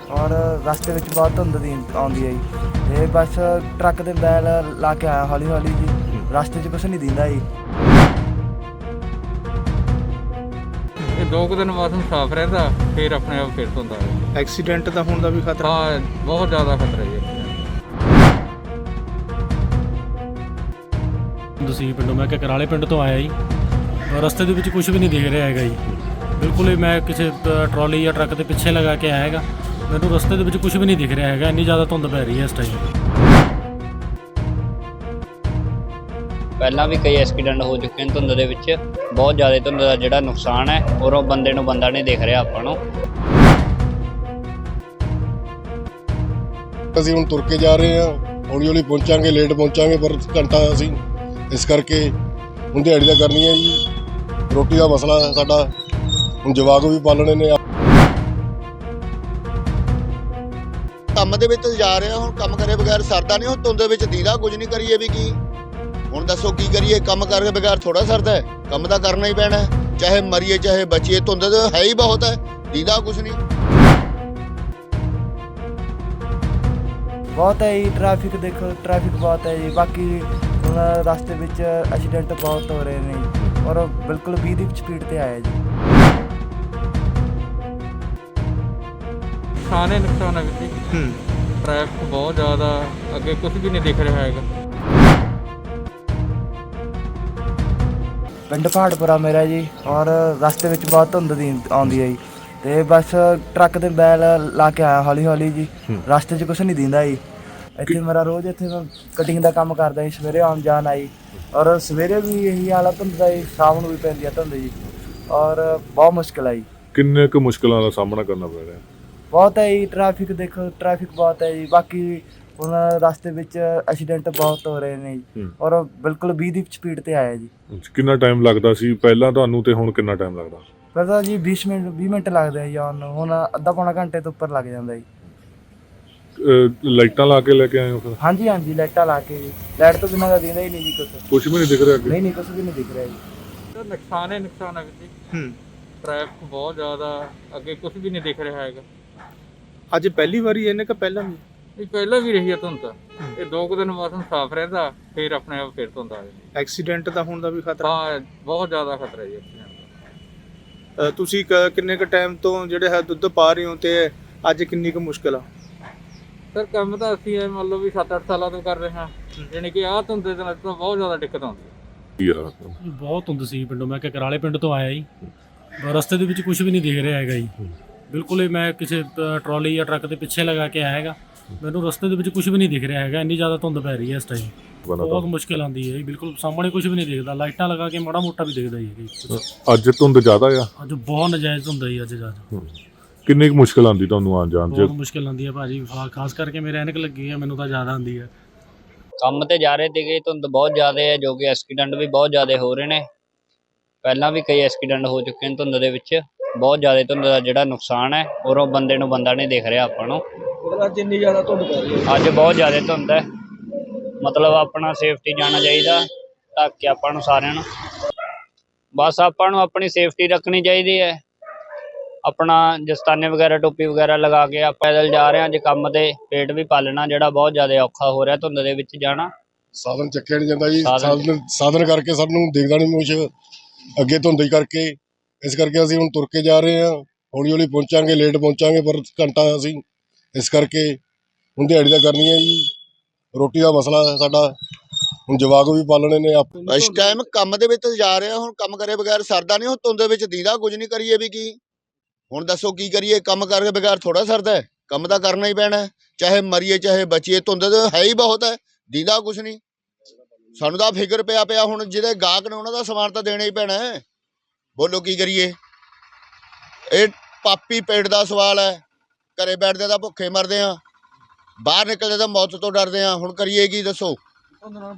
ਔਰ ਰਸਤੇ ਵਿੱਚ ਬਹੁਤ ਧੁੰਦ ਦੀ ਆਉਂਦੀ ਹੈ ਜੀ। ਤੇ ਬਸ ਟਰੱਕ ਦੇ ਬੈਲ ਲਾ ਕੇ ਆਇਆ ਹੌਲੀ ਹੌਲੀ ਜੀ, ਰਸਤੇ 'ਚ ਕੁਛ ਨਹੀਂ ਦਿੰਦਾ ਜੀ। ਇਹ 2 ਕੁ ਦਿਨ ਮੌਸਮ ਸਾਫ਼ ਰਹਿੰਦਾ, ਫਿਰ ਆਪਣੇ ਆਪ ਫਿਰ ਧੁੰਦ ਆ ਜਾਂਦੀ। ਐਕਸੀਡੈਂਟ ਦਾ ਹੋਣ ਦਾ ਵੀ ਖਤਰਾ। ਹਾਂ, ਬਹੁਤ ਜ਼ਿਆਦਾ ਖਤਰਾ ਜੀ। ਤੁਸੀਂ ਪਿੰਡੋਂ, ਮੈਂ ਕਕਰਾਲੇ ਪਿੰਡ ਤੋਂ ਆਇਆ ਜੀ। ਰਸਤੇ ਦੇ ਵਿੱਚ ਕੁਝ ਵੀ ਨਹੀਂ ਦਿਖ ਰਿਹਾ ਹੈਗਾ ਜੀ, ਬਿਲਕੁਲ ਹੀ। ਮੈਂ ਕਿਸੇ ਟਰਾਲੀ ਜਾਂ ਟਰੱਕ ਦੇ ਪਿੱਛੇ ਲਗਾ ਕੇ ਆਇਆ ਹੈਗਾ, ਮੈਨੂੰ ਰਸਤੇ ਦੇ ਵਿੱਚ ਕੁਝ ਵੀ ਨਹੀਂ ਦਿਖ ਰਿਹਾ ਹੈਗਾ, ਇੰਨੀ ਜ਼ਿਆਦਾ ਧੁੰਦ ਪੈ ਰਹੀ ਹੈ ਇਸ ਟਾਈਮ। ਪਹਿਲਾਂ ਵੀ ਕਈ ਐਕਸੀਡੈਂਟ ਹੋ ਚੁੱਕੇ ਨੇ ਧੁੰਦ ਦੇ ਵਿੱਚ। ਬਹੁਤ ਜ਼ਿਆਦਾ ਧੁੰਦ ਦਾ ਜਿਹੜਾ ਨੁਕਸਾਨ ਹੈ, ਔਰ ਉਹ ਬੰਦੇ ਨੂੰ ਬੰਦਾ ਨਹੀਂ ਦਿਖ ਰਿਹਾ ਆਪਾਂ ਨੂੰ। ਅਸੀਂ ਹੁਣ ਤੁਰ ਕੇ ਜਾ ਰਹੇ ਹਾਂ, ਹੌਲੀ ਹੌਲੀ ਪਹੁੰਚਾਂਗੇ, ਲੇਟ ਪਹੁੰਚਾਂਗੇ, ਪਰ ਘੰਟਾ ਅਸੀਂ ਇਸ ਕਰਕੇ ਹੁਣ ਦਿਹਾੜੀ ਦਾ ਕਰਨੀ ਹੈ ਜੀ। ਰੋਟੀ ਦਾ ਮਸਲਾ ਹੈ ਸਾਡਾ, ਹੁਣ ਜਵਾਕ ਵੀ ਪਾਲਣੇ ਨੇ। ਕੰਮ ਦੇ ਵਿੱਚ ਜਾ ਰਹੇ ਹਾਂ, ਹੁਣ ਕੰਮ ਕਰੇ ਬਗੈਰ ਸਰਦਾ ਨਹੀਂ। ਹੁਣ ਧੁੰਦ ਦੇ ਵਿੱਚ ਦੀਦਾ ਕੁਝ ਨਹੀਂ, ਕਰੀਏ ਵੀ ਕੀ। ਹੁਣ ਦੱਸੋ ਕੀ ਕਰੀਏ, ਕੰਮ ਕਰਕੇ ਬਗੈਰ ਥੋੜਾ ਸਰਦਾ ਹੈ, ਕੰਮ ਤਾਂ ਕਰਨਾ ਹੀ ਪੈਣਾ, ਚਾਹੇ ਮਰੀਏ ਚਾਹੇ ਬਚੀਏ। ਧੁੰਦ ਤਾਂ ਹੈ ਹੀ ਬਹੁਤ ਹੈ, ਦੀਦਾ ਕੁਝ ਨਹੀਂ। ਬਹੁਤ ਹੈ ਜੀ ਟ੍ਰੈਫਿਕ, ਦੇਖੋ ਟ੍ਰੈਫਿਕ ਬਹੁਤ ਹੈ ਜੀ। ਬਾਕੀ ਹੁਣ ਰਸਤੇ ਵਿੱਚ ਐਕਸੀਡੈਂਟ ਬਹੁਤ ਹੋ ਰਹੇ ਨੇ ਜੀ, ਔਰ ਬਿਲਕੁਲ 20 ਦੀ ਸਪੀਡ 'ਤੇ ਆਇਆ ਜੀ। ਨੁਕਸਾਨ ਹੀ ਨੁਕਸਾਨ ਹੈ ਵੀਰ ਜੀ। ਟ੍ਰੈਫਿਕ ਬਹੁਤ ਜ਼ਿਆਦਾ, ਅੱਗੇ ਕੁਝ ਵੀ ਨਹੀਂ ਦਿਖ ਰਿਹਾ ਹੈਗਾ। ਪਿੰਡ ਪਹਾੜਪੁਰਾ ਮੇਰਾ ਜੀ, ਔਰ ਰਸਤੇ ਵਿੱਚ ਬਹੁਤ ਧੁੰਦ ਦੀ ਆਉਂਦੀ ਹੈ ਜੀ। ਤੇ ਬਸ ਟਰੱਕ ਦੇ ਬੈਲ ਲਾ ਕੇ ਆਇਆ ਹੌਲੀ ਹੌਲੀ ਜੀ, ਰਸਤੇ 'ਚ ਕੁਛ ਨਹੀਂ ਦਿੰਦਾ ਜੀ। ਇੱਥੇ ਮੇਰਾ ਰੋਜ਼ ਇੱਥੇ ਮੈਂ ਕਟਿੰਗ ਦਾ ਕੰਮ ਕਰਦਾ ਜੀ, ਸਵੇਰੇ ਆਉਣ ਜਾਣ ਆਈ। ਔਰ ਸਵੇਰੇ ਵੀ ਇਹੀ ਹਾਲ ਆ ਧੁੰਦ ਦਾ ਜੀ, ਸ਼ਾਮ ਨੂੰ ਵੀ ਪੈਂਦੀ ਆ ਧੁੰਦ ਜੀ, ਔਰ ਬਹੁਤ ਮੁਸ਼ਕਿਲ ਆ ਜੀ। ਕਿੰਨੇ ਕੁ ਮੁਸ਼ਕਲਾਂ ਦਾ ਸਾਹਮਣਾ ਕਰਨਾ ਪੈ ਰਿਹਾ? ਬਹੁਤ ਹੈ ਜੀ ਟ੍ਰੈਫਿਕ, ਦੇਖੋ ਟ੍ਰੈਫਿਕ ਬਹੁਤ ਹੈ ਜੀ। ਬਾਕੀ ਹੁਣ ਰਸਤੇ ਵਿੱਚ ਐਕਸੀਡੈਂਟ ਬਹੁਤ ਹੋ ਰਹੇ ਨੇ ਜੀ, ਔਰ ਬਿਲਕੁਲ 20 ਦੀ ਸਪੀਡ 'ਤੇ ਆਇਆ ਜੀ। ਕਿੰਨਾ ਟਾਈਮ ਲੱਗਦਾ ਸੀ ਪਹਿਲਾਂ ਤੁਹਾਨੂੰ ਤੇ ਹੁਣ ਕਿੰਨਾ ਟਾਈਮ ਲੱਗਦਾ? ਪਹਿਲਾਂ ਜੀ 20 ਮਿੰਟ ਲੱਗਦੇ ਆ ਜੀ ਆਉਣ ਨੂੰ, ਹੁਣ ਅੱਧਾ ਪੌਣਾ ਘੰਟੇ ਤੋਂ ਉੱਪਰ ਲੱਗ ਜਾਂਦਾ ਜੀ। ਲਾਈਟਾਂ ਲਾ ਕੇ ਲੈ ਕੇ ਆਏ ਹੋ ਫਿਰ? ਹਾਂਜੀ ਹਾਂਜੀ, ਲਾਈਟਾਂ ਲਾ ਕੇ ਜੀ। ਲਾਈਟ ਤੋਂ ਬਿਨਾਂ ਤਾਂ ਦਿੰਦਾ ਹੀ ਨਹੀਂ ਜੀ ਕੁਝ ਵੀ ਨਹੀਂ ਦਿਖ ਰਿਹਾ ਅੱਗੇ? ਨਹੀਂ, ਕੁਛ ਵੀ ਨਹੀਂ ਦਿਖ ਰਿਹਾ ਜੀ। ਨੁਕਸਾਨ ਹੀ ਨੁਕਸਾਨ ਹੈ ਵੀਰ ਜੀ। ਟ੍ਰੈਫਿਕ ਬਹੁਤ ਜ਼ਿਆਦਾ, ਅੱਗੇ ਕੁਝ ਵੀ ਨਹੀਂ ਦਿਖ ਰਿਹਾ ਹੈਗਾ। ਅੱਜ ਪਹਿਲੀ ਵਾਰੀ ਇਹਨੇ ਕਿ ਪਹਿਲਾਂ ਵੀ? ਇਹ ਪਹਿਲਾਂ ਵੀ ਰਹੀ ਹੈ ਧੁੰਦ। ਇਹ 2 ਕੁ ਦਿਨ ਮੌਸਮ ਸਾਫ਼ ਰਹਿੰਦਾ, ਫਿਰ ਆਪਣੇ ਆਪ ਫਿਰ ਧੁੰਦ ਆ ਜਾਂਦੀ। ਐਕਸੀਡੈਂਟ ਦਾ ਹੋਣ ਦਾ ਵੀ ਖਤਰਾ। ਹਾਂ, ਬਹੁਤ ਜ਼ਿਆਦਾ ਖਤਰਾ ਜੀ accident ਦਾ। ਤੁਸੀਂ ਕਿੰਨੇ ਕੁ ਟਾਈਮ ਤੋਂ ਜਿਹੜੇ ਹੈ ਦੁੱਧ ਪਾ ਰਹੇ ਹੋ, ਤੇ ਅੱਜ ਕਿੰਨੀ ਕੁ ਮੁਸ਼ਕਿਲ ਆ? ਸਰ ਕੰਮ ਤਾਂ ਅਸੀਂ ਇਹ ਮੰਨ ਲਓ ਵੀ 7-8 ਸਾਲਾਂ ਤੋਂ ਕਰ ਰਹੇ ਹਾਂ, ਜਾਣੀ ਕਿ ਆਹ ਧੁੰਦ ਦੇ ਨਾਲ ਤਾਂ ਬਹੁਤ ਜ਼ਿਆਦਾ ਦਿੱਕਤ ਆਉਂਦੀ ਹੈ। ਬਹੁਤ ਧੁੰਦ ਸੀ ਪਿੰਡੋਂ, ਮੈਂ ਕਕਰਾਲੇ ਪਿੰਡ ਤੋਂ ਆਇਆ ਜੀ। ਰਸਤੇ ਦੇ ਵਿੱਚ ਕੁਝ ਵੀ ਨਹੀਂ ਦਿਖ ਰਿਹਾ ਹੈਗਾ ਜੀ, ਬਿਲਕੁਲ ਹੀ। ਮੈਂ ਕਿਸੇ ਟਰਾਲੀ ਜਾਂ ਟਰੱਕ ਦੇ ਪਿੱਛੇ ਲਗਾ ਕੇ ਆਇਆ ਹੈਗਾ, ਮੈਨੂੰ ਰਸਤੇ ਦੇ ਵਿੱਚ ਕੁਝ ਵੀ ਨਹੀਂ ਦਿਖ ਰਿਹਾ ਹੈਗਾ, ਇੰਨੀ ਜ਼ਿਆਦਾ ਧੁੰਦ ਪੈ ਰਹੀ ਹੈ ਇਸ ਟਾਈਮ। ਬਹੁਤ ਮੁਸ਼ਕਿਲ ਆਉਂਦੀ ਹੈ ਜੀ, ਬਿਲਕੁਲ ਸਾਹਮਣੇ ਕੁਝ ਵੀ ਨਹੀਂ ਦਿਖਦਾ। ਲਾਈਟਾਂ ਲਗਾ ਕੇ ਮਾੜਾ ਮੋਟਾ ਵੀ ਦਿਖਦਾ ਜੀ। ਅੱਜ ਧੁੰਦ ਜ਼ਿਆਦਾ ਆ? ਅੱਜ ਬਹੁਤ ਨਜਾਇਜ਼ ਹੁੰਦਾ ਜੀ ਅੱਜ ਜ਼ਿਆਦਾ। ਕਿੰਨੀ ਕੁ ਮੁਸ਼ਕਲ ਆਉਂਦੀ ਤੁਹਾਨੂੰ ਆਉਣ ਜਾਣ 'ਚ? ਬਹੁਤ ਮੁਸ਼ਕਿਲ ਆਉਂਦੀ ਹੈ ਭਾਜੀ, ਖਾਸ ਕਰਕੇ ਮੇਰੇ ਐਨਕ ਲੱਗੀ ਹੈ, ਮੈਨੂੰ ਤਾਂ ਜ਼ਿਆਦਾ ਆਉਂਦੀ ਹੈ। ਕੰਮ ਤੇ ਜਾ ਰਹੇ ਸੀਗੇ, ਧੁੰਦ ਬਹੁਤ ਜ਼ਿਆਦਾ ਹੈ, ਜੋ ਕਿ ਐਕਸੀਡੈਂਟ ਵੀ ਬਹੁਤ ਜ਼ਿਆਦਾ ਹੋ ਰਹੇ ਨੇ। ਪਹਿਲਾਂ ਵੀ ਕਈ ਐਕਸੀਡੈਂਟ ਹੋ ਚੁੱਕੇ ਨੇ ਧੁੰਦ ਦੇ ਵਿੱਚ। ਬਹੁਤ ਜ਼ਿਆਦਾ ਧੁੰਦ ਦਾ ਜਿਹੜਾ ਨੁਕਸਾਨ ਹੈ, ਔਰ ਉਹ ਬੰਦੇ ਨੂੰ ਬੰਦਾ ਨਹੀਂ ਦਿਖ ਰਿਹਾ ਆਪਾਂ ਨੂੰ। ਅੱਜ ਇੰਨੀ ਜ਼ਿਆਦਾ ਧੁੰਦ ਪੈ ਰਹੀ ਹੈ? ਅੱਜ ਬਹੁਤ ਜ਼ਿਆਦਾ ਧੁੰਦ ਹੈ, ਮਤਲਬ ਆਪਣਾ ਸੇਫਟੀ ਜਾਣਾ ਚਾਹੀਦਾ, ਢੱਕ ਕੇ ਆਪਾਂ ਨੂੰ ਸਾਰਿਆਂ ਨੂੰ। ਬਸ ਆਪਾਂ ਨੂੰ ਆਪਣੀ ਸੇਫਟੀ ਰੱਖਣੀ ਚਾਹੀਦੀ ਹੈ। ਆਪਣਾ ਦਸਤਾਨੇ ਵਗੈਰਾ, ਟੋਪੀ ਵਗੈਰਾ ਲਗਾ ਕੇ ਆਪਾਂ ਪੈਦਲ ਜਾ ਰਹੇ ਹਾਂ ਅੱਜ ਕੰਮ ਤੇ। ਪੇਟ ਵੀ ਪਾਲਣਾ ਜਿਹੜਾ ਬਹੁਤ ਜ਼ਿਆਦਾ ਔਖਾ ਹੋ ਰਿਹਾ ਧੁੰਦ ਦੇ ਵਿੱਚ ਜਾਣਾ। ਸਾਧਨ ਚੱਕਿਆ ਨਹੀਂ ਜਾਂਦਾ ਜੀ, ਸਾਧਨ ਕਰਕੇ ਸਾਨੂੰ ਦਿਖਦਾ ਨਹੀਂ ਕੁਛ ਅੱਗੇ ਧੁੰਦ ਕਰਕੇ। ਇਸ ਕਰਕੇ ਅਸੀਂ ਹੁਣ ਤੁਰ ਕੇ ਜਾ ਰਹੇ ਹਾਂ, ਹੌਲੀ ਹੌਲੀ ਪਹੁੰਚਾਂਗੇ, ਲੇਟ ਪਹੁੰਚਾਂਗੇ, ਪਰ ਘੰਟਾ ਅਸੀਂ ਇਸ ਕਰਕੇ ਹੁਣ ਦਿਹਾੜੀ ਦਾ ਕਰਨੀ ਹੈ ਜੀ। ਰੋਟੀ ਦਾ ਮਸਲਾ ਹੈ ਸਾਡਾ, ਹੁਣ ਜਵਾਕ ਵੀ ਪਾਲਣੇ ਨੇ। ਇਸ ਟਾਈਮ ਕੰਮ ਦੇ ਵਿੱਚ ਜਾ ਰਹੇ ਹਾਂ, ਹੁਣ ਕੰਮ ਕਰੇ ਬਗੈਰ ਸਰਦਾ ਨਹੀਂ। ਹੁਣ ਧੁੰਦ ਦੇ ਵਿੱਚ ਦੀਦਾ ਕੁਝ ਨਹੀਂ, ਕਰੀਏ ਵੀ ਕੀ। ਹੁਣ ਦੱਸੋ ਕੀ ਕਰੀਏ, ਕੰਮ ਕਰਕੇ ਬਗੈਰ ਥੋੜਾ ਸਰਦਾ ਹੈ, ਕੰਮ ਤਾਂ ਕਰਨਾ ਹੀ ਪੈਣਾ, ਚਾਹੇ ਮਰੀਏ ਚਾਹੇ ਬਚੀਏ। ਧੁੰਦ ਤਾਂ ਹੈ ਹੀ ਬਹੁਤ ਹੈ, ਦੀਦਾ ਕੁਝ ਨਹੀਂ। ਸਾਨੂੰ ਤਾਂ ਫਿਕਰ ਪਿਆ ਹੁਣ ਜਿਹੜੇ ਗਾਹਕ ਨੇ ਉਹਨਾਂ ਦਾ ਸਮਾਨ ਤਾਂ ਦੇਣਾ ਹੀ ਪੈਣਾ ਹੈ। ਬੋਲੋ ਕੀ ਕਰੀਏ, ਇਹ ਪਾਪੀ ਪੇਟ ਦਾ ਸਵਾਲ ਹੈ। ਘਰੇ ਬੈਠਦੇ ਤਾਂ ਭੁੱਖੇ ਮਰਦੇ ਹਾਂ, ਬਾਹਰ ਨਿਕਲਦੇ ਤਾਂ ਮੌਤ ਤੋਂ ਡਰਦੇ ਹਾਂ। ਹੁਣ ਕਰੀਏ ਕੀ ਦੱਸੋ?